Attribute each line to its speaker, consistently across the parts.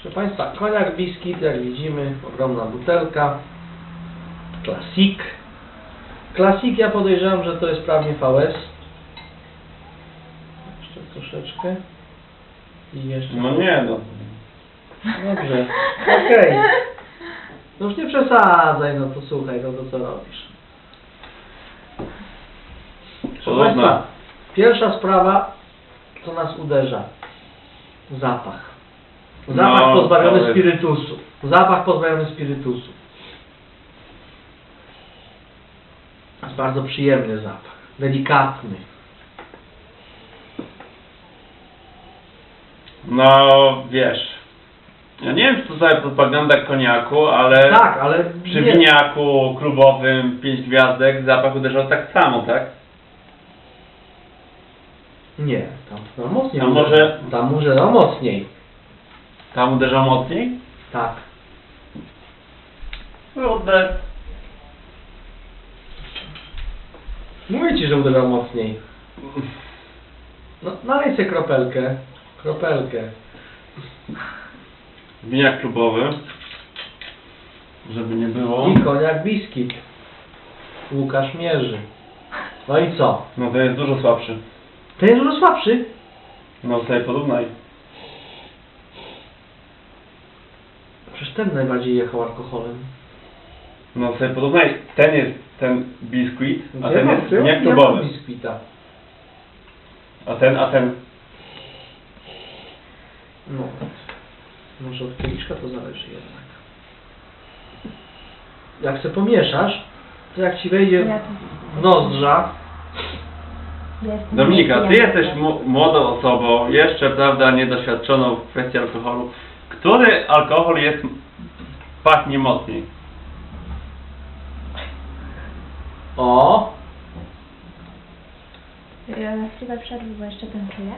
Speaker 1: Proszę Państwa, koniak biskit, jak widzimy, ogromna butelka. Classic. Classic, ja podejrzewam, że to jest prawnie VS. Jeszcze troszeczkę. I jeszcze...
Speaker 2: No nie, no.
Speaker 1: Dobrze, okej. No już nie przesadzaj, no to słuchaj, no to co robisz? Proszę Państwa, pierwsza sprawa, co nas uderza. Zapach. Zapach
Speaker 2: No,
Speaker 1: pozbawiony
Speaker 2: to jest-
Speaker 1: spirytusu. Zapach pozbawiony spirytusu. Jest bardzo przyjemny zapach. Delikatny.
Speaker 2: No wiesz. Ja nie wiem, czy to za propaganda koniaku, ale
Speaker 1: Tak, ale
Speaker 2: przy
Speaker 1: nie.
Speaker 2: winiaku klubowym 5 gwiazdek zapach uderzał tak samo, tak?
Speaker 1: Nie, tam mocniej.
Speaker 2: A może-
Speaker 1: Tam uderza mocniej.
Speaker 2: Tam uderzał mocniej?
Speaker 1: Tak.
Speaker 2: Kurde.
Speaker 1: Mówię Ci, że uderzał mocniej. No, nalej sobie kropelkę. Kropelkę.
Speaker 2: Winiak klubowy. Żeby nie było.
Speaker 1: I koniak biskit. Łukasz mierzy. No i co?
Speaker 2: No to jest dużo słabszy.
Speaker 1: Ten jest dużo słabszy.
Speaker 2: No sobie porównaj.
Speaker 1: Przecież ten najbardziej jechał alkoholem.
Speaker 2: No sobie porównaj. Ten jest ten biskuit, a
Speaker 1: Ja
Speaker 2: ten
Speaker 1: mam-
Speaker 2: jest
Speaker 1: ja
Speaker 2: winiak
Speaker 1: mam
Speaker 2: klubowy.
Speaker 1: biskwita.
Speaker 2: A ten.
Speaker 1: No. Może od kieliszka to zależy jednak. Jak se pomieszasz, to jak Ci wejdzie
Speaker 3: Ja
Speaker 1: w nozdrza,
Speaker 3: jestem
Speaker 2: Dominika, ty
Speaker 3: pijana.
Speaker 2: jesteś młodą osobą, jeszcze, prawda, niedoświadczoną w kwestii alkoholu. Który alkohol pachnie mocniej?
Speaker 1: o,
Speaker 3: Chwilę przerwy, bo jeszcze ten czuję.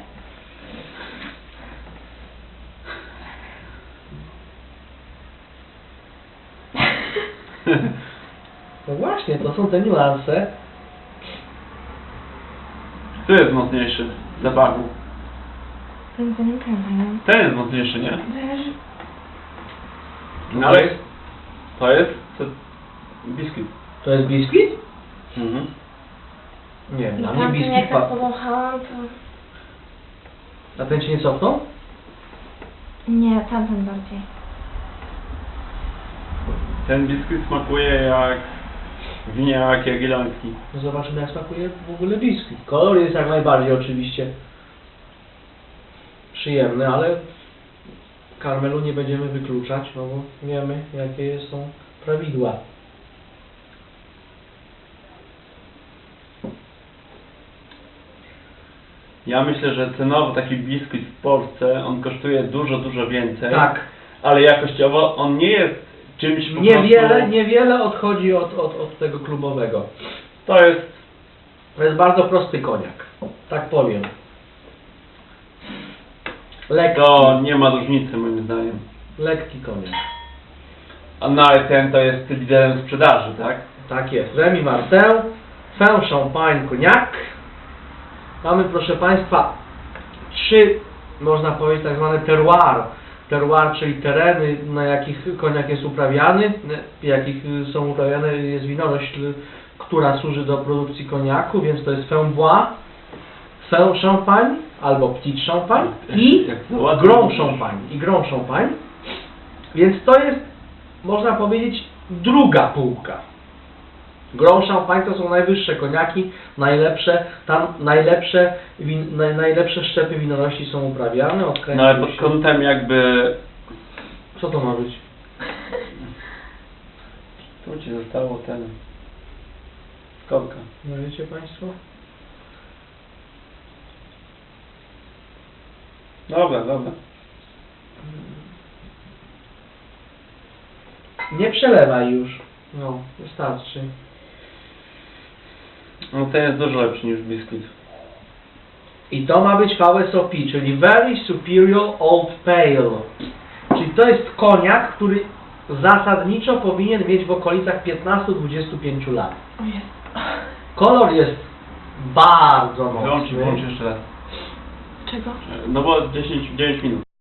Speaker 1: no właśnie, to są te niuanse.
Speaker 2: Który jest mocniejszy w zapachu?
Speaker 3: Ten pamiętam.
Speaker 2: Ten jest mocniejszy, nie?
Speaker 3: Wiesz,
Speaker 2: No ale to jest biskit.
Speaker 1: To jest biskit?
Speaker 2: Mhm.
Speaker 1: Nie, dla mnie
Speaker 3: tamten
Speaker 1: biskit
Speaker 3: jak tak
Speaker 1: pa...
Speaker 3: powąchałam, to...
Speaker 1: A ten Ci nie cofnął?
Speaker 3: Nie, tamten bardziej.
Speaker 2: Ten biskit smakuje jak winiak jagielloński.
Speaker 1: No zobaczymy, jak smakuje w ogóle biskit. Kolor jest jak najbardziej oczywiście przyjemny, ale karmelu nie będziemy wykluczać, no bo wiemy, jakie są prawidła.
Speaker 2: Ja myślę, że cenowo taki biskit w Polsce, on kosztuje dużo więcej.
Speaker 1: Tak,
Speaker 2: Ale jakościowo on nie jest czymś po prostu...
Speaker 1: niewiele odchodzi od tego klubowego.
Speaker 2: To jest...
Speaker 1: To jest bardzo prosty koniak, tak powiem. Lekki,
Speaker 2: To nie ma różnicy moim zdaniem.
Speaker 1: lekki koniak.
Speaker 2: A no ale ten to jest liderem sprzedaży, tak?
Speaker 1: Tak jest. Remy Martin, Fin Champagne Cognac. Mamy, proszę Państwa, 3, można powiedzieć, tak zwane terroir. Terroir, czyli tereny, na jakich koniak jest uprawiany, jakich są uprawiane jest winorośl, która służy do produkcji koniaku, więc to jest Fin Bois, Fin Champagne albo Petit Champagne i
Speaker 2: Jak to ładnie
Speaker 1: Grand
Speaker 2: mówisz.
Speaker 1: Champagne. I Grand Champagne. Więc to jest, można powiedzieć, druga półka. Grand Champagne to są najwyższe koniaki, najlepsze, tam najlepsze szczepy winorośli są uprawiane.
Speaker 2: No ale pod kątem jakby...
Speaker 1: Co to ma być?
Speaker 2: Tu ci zostało ten... Skorka.
Speaker 1: No wiecie Państwo?
Speaker 2: Dobra.
Speaker 1: Nie przelewaj już. No, wystarczy.
Speaker 2: No ten jest dużo lepszy niż biskit.
Speaker 1: I to ma być VSOP, czyli Very Superior Old Pale. Czyli to jest koniak, który zasadniczo powinien mieć w okolicach 15-25 lat.
Speaker 3: O Jezu.
Speaker 1: Kolor jest bardzo
Speaker 2: Wyłącz
Speaker 1: mocny.
Speaker 2: jeszcze raz.
Speaker 3: Czego?
Speaker 2: No bo 9 minut.